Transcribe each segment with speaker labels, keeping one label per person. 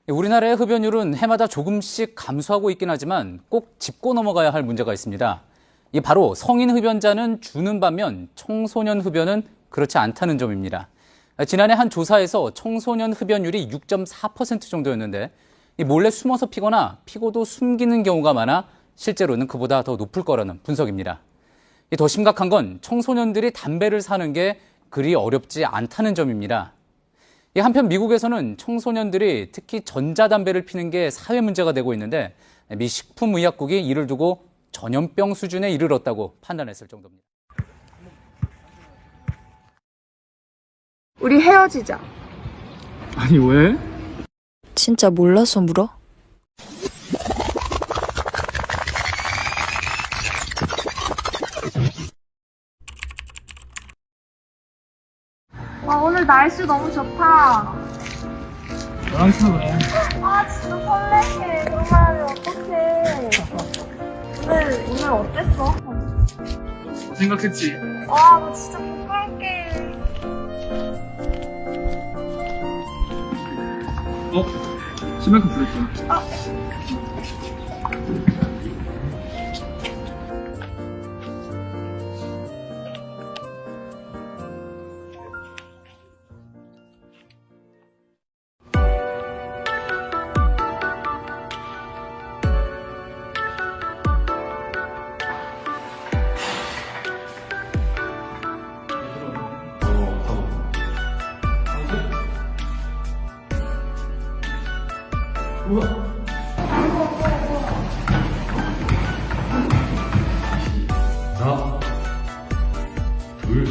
Speaker 1: 우리나라의 흡연율은 해마다 조금씩 감소하고 있긴 하지만 꼭 짚고 넘어가야 할 문제가 있습니다. 이 바로 성인 흡연자는 주는 반면 청소년 흡연은 그렇지 않다는 점입니다. 지난해 한 조사에서 청소년 흡연율이 6.4% 정도였는데 몰래 숨어서 피거나 피고도 숨기는 경우가 많아 실제로는 그보다 더 높을 거라는 분석입니다. 더 심각한 건 청소년들이 담배를 사는 게 그리 어렵지 않다는 점입니다. 한편 미국에서는 청소년들이 특히 전자담배를 피는 게 사회 문제가 되고 있는데 미 식품의약국이 이를 두고 전염병 수준에 이르렀다고 판단했을 정도입니다.
Speaker 2: 우리 헤어지자.
Speaker 3: 아니 왜?
Speaker 4: 진짜 몰라서 물어?
Speaker 2: 아, 오늘 날씨 너무 좋다.
Speaker 3: 너랑 있어 그래.
Speaker 2: 아, 진짜 설레게. 그런 말 하면 어떡해. 오늘 어땠어?
Speaker 3: 생각했지.
Speaker 2: 와, 나 진짜 부끄럽게.
Speaker 3: 심할큼 부르지.
Speaker 5: 하나, 둘,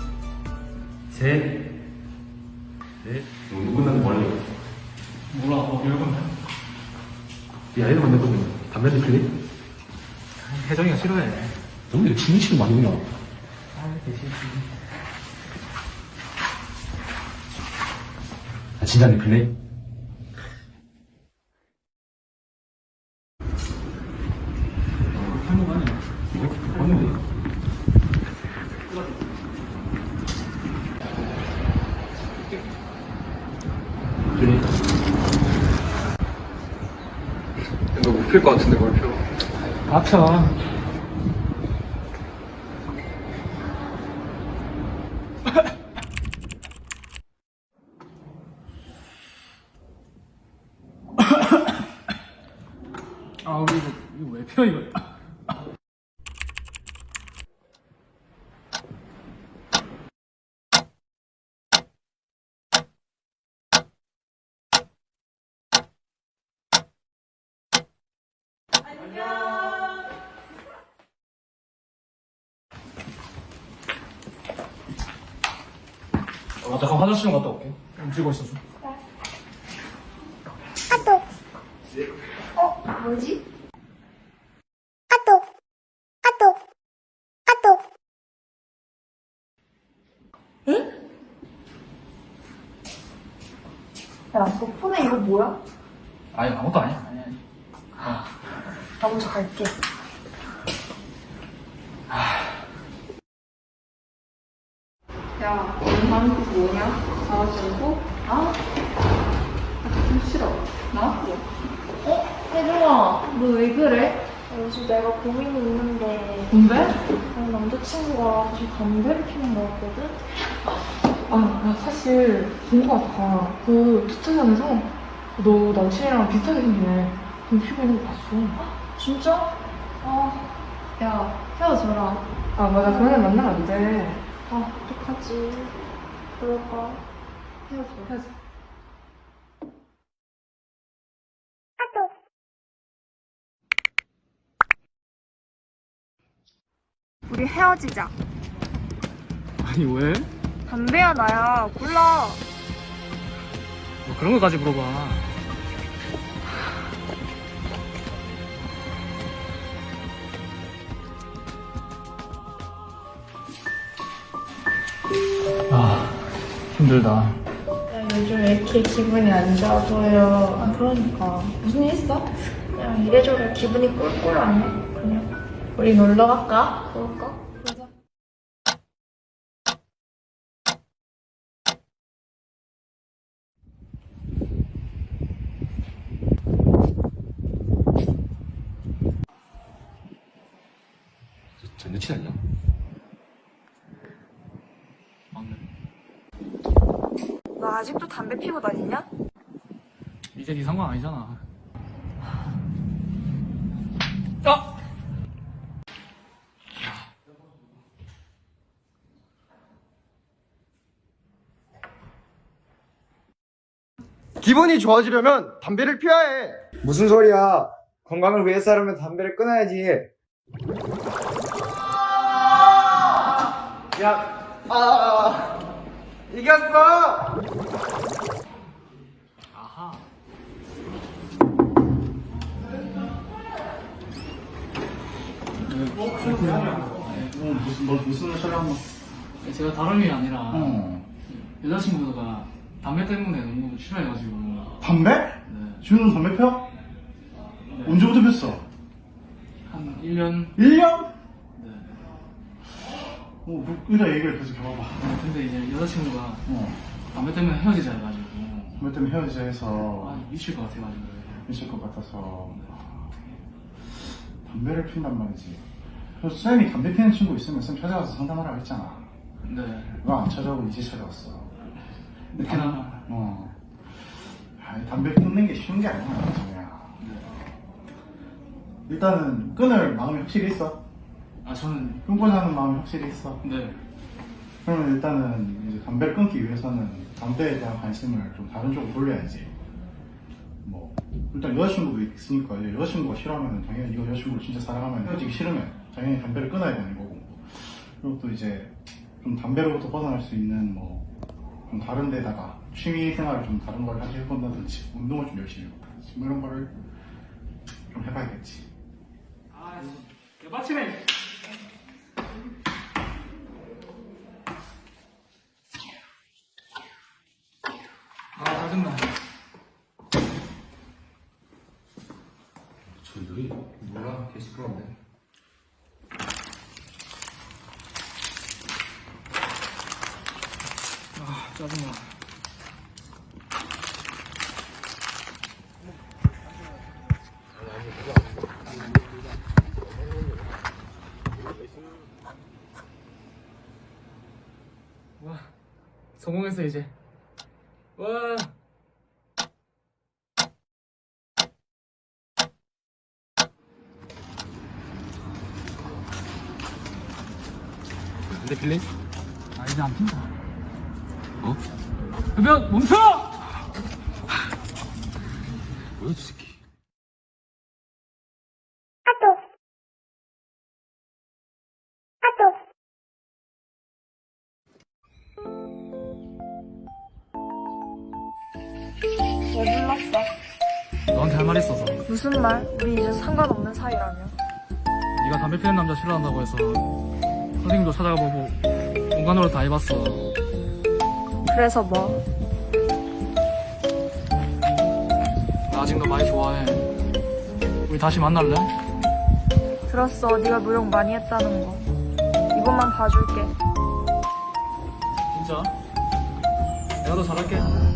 Speaker 5: 셋, 넷. 오늘 끝나면 뭐 할래?
Speaker 3: 몰라, 열건데.
Speaker 5: 야, 애들 만날 거면 담배 한 대 필래?
Speaker 3: 혜정이가 싫어해.
Speaker 5: 너희들 진실 많이 오냐? 아, 진짜 안 필래?
Speaker 3: 한번 아니야.
Speaker 5: 왔는데. 그러니까.
Speaker 6: 너 못 필 것 같은데 뭘 펴?
Speaker 3: 닥쳐. 아, 우리 이거 왜 펴, 이거? 잠깐 화장실 좀 갔다 올게. 움직이고 있어줘.
Speaker 2: 뭐지? 야, 너 폰에 이거 뭐야?
Speaker 3: 아니, 아무것도 아니야.
Speaker 2: 나 먼저 갈게. 야, 오늘 하는 거 뭐냐? 자가지고? 아? 좀 싫어. 나? 혜정아, 너 왜 그래? 요즘 내가 고민이 있는데.
Speaker 7: 뭔데?
Speaker 2: 남자친구가 다시 담배를 피는 거 같거든?
Speaker 7: 아, 나 사실 본 거 같아. 그 주차장에서 너 남친이랑 비슷하게 생기네. 좀 피고 있는 거 봤어.
Speaker 2: 진짜? 야, 헤어져라.
Speaker 7: 아, 맞아. 그런 애 만나면 안 돼.
Speaker 2: 어떡하지? 그럴까?
Speaker 7: 헤어져.
Speaker 2: 우리 헤어지자.
Speaker 3: 아니 왜?
Speaker 2: 담배야, 나야. 골라.
Speaker 3: 뭐 그런 거까지 물어봐. 아, 힘들다.
Speaker 2: 야, 요즘 왜 이렇게 기분이 안 좋아 보여? 아, 그러니까. 무슨 일 있어? 그냥 이래저래 기분이 꿀꿀하네. 그냥. 우리 놀러 갈까? 그럴까?
Speaker 5: 여친 아니야?
Speaker 3: 맞네.
Speaker 2: 너 아직도 담배 피고 다니냐?
Speaker 3: 이제 네 상관 아니잖아.
Speaker 8: 기분이 좋아지려면 담배를 피워야 해.
Speaker 9: 무슨 소리야? 건강을 위해서라면 담배를 끊어야지.
Speaker 8: 이겼어.
Speaker 3: 아하.
Speaker 5: 무슨 소리 한 번?
Speaker 3: 제가 다름이 아니라 여자친구가 담배 때문에 너무 싫어해가지고.
Speaker 5: 담배?
Speaker 3: 네.
Speaker 5: 준우는 담배 펴? 언제부터 폈어?
Speaker 3: 한 1년?
Speaker 5: 1년?
Speaker 3: 네.
Speaker 5: 일단 얘기를 계속 해봐봐.
Speaker 3: 근데 이제 여자친구가 담배 때문에 헤어지자 해가지고.
Speaker 5: 담배 때문에 헤어지자 해서
Speaker 3: 미칠 것 같아가지고.
Speaker 5: 미칠 것 같아서 담배를 핀단 말이지. 그래서 쌤이 담배 피는 친구 있으면 쌤 찾아가서 상담하라고 했잖아.
Speaker 3: 네.
Speaker 5: 왜 안 찾아오고 이제 찾아왔어?
Speaker 3: 늦게나마.
Speaker 5: 담배 끊는 게 쉬운 게 아니야, 정우야. 일단은 끊을 마음이 확실히 있어.
Speaker 3: 아, 저는.
Speaker 5: 끊고자 하는 마음이 확실히 있어.
Speaker 3: 네.
Speaker 5: 그러면 일단은 이제 담배를 끊기 위해서는 담배에 대한 관심을 좀 다른 쪽으로 돌려야지. 뭐 일단 여자친구도 있으니까 이제 여자친구가 싫어하면 당연히 이거 여자친구를 진짜 사랑하면 헤어지기 싫으면 당연히 담배를 끊어야 되는 거고. 그리고 또 이제 좀 담배로부터 벗어날 수 있는 뭐 좀 다른 데다가 취미 생활을 좀 다른 걸 하게 해본다든지 운동을 좀 열심히 해본다든지 뭐 이런 거를 좀 해봐야겠지.
Speaker 3: 아, 개빡치네. 아, 짜증나.
Speaker 5: 저희들이 몰라 개 시끄러운데.
Speaker 3: 아, 짜증나. 와, 성공했어 이제. 와.
Speaker 5: 근데 필래?
Speaker 3: 아, 이제 안 핀다.
Speaker 5: 어?
Speaker 3: 흡연 멈춰!
Speaker 5: 뭐야 저 새끼.
Speaker 2: 왜 불렀어?
Speaker 3: 너한테 할 말 있어서.
Speaker 2: 무슨 말? 우리 이제 상관없는 사이라며.
Speaker 3: 네가 담배 피는 남자 싫어한다고 해서 선생님도 찾아가보고 공간으로 다 해봤어.
Speaker 2: 그래서 뭐?
Speaker 3: 나 아직 너 많이 좋아해. 우리 다시 만날래?
Speaker 2: 들었어. 네가 노력 많이 했다는 거. 이것만 봐줄게.
Speaker 3: 진짜? 내가 더 잘할게.